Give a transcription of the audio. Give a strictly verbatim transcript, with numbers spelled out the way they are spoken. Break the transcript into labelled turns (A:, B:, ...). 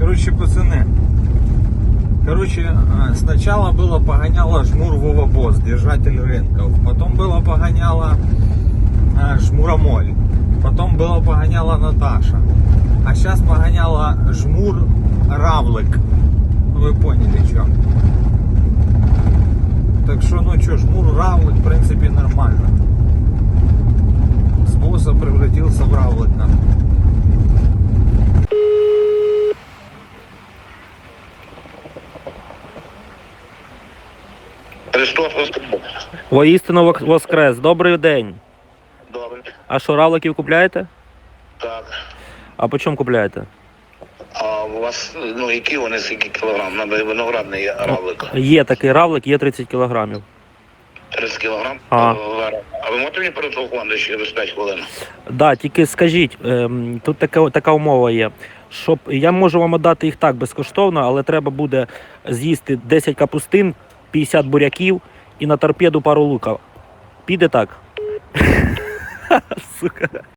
A: Короче, пацаны. Короче, сначала было погоняло жмур Вова Босс, держатель рынков. Потом было погоняло жмуромоль. Потом было погоняла Наташа. А сейчас погоняла жмур Равлик. Вы поняли, что. Так что, ну что, жмур Равлик, в принципе, нормально. С босса превратился в Равлика.
B: Христос Воскрес.
C: Воістину вок- воскрес. Добрий день.
B: Добре.
C: А що, равликів купляєте?
B: Так.
C: А по чому купляєте?
B: А у вас, ну, які вони, скільки кілограм? Надо виноградний равлик.
C: Є такий равлик, є тридцять кілограмів.
B: тридцять кілограм.
C: Ага.
B: А ви можете мені перетелефонувати через п'ять хвилин?
C: Да, тільки скажіть, ем, тут така, така умова є, щоб я можу вам віддати їх так безкоштовно, але треба буде з'їсти десять капустин, п'ятдесят буряків і на торпеду пару лука. Піде так? Сука.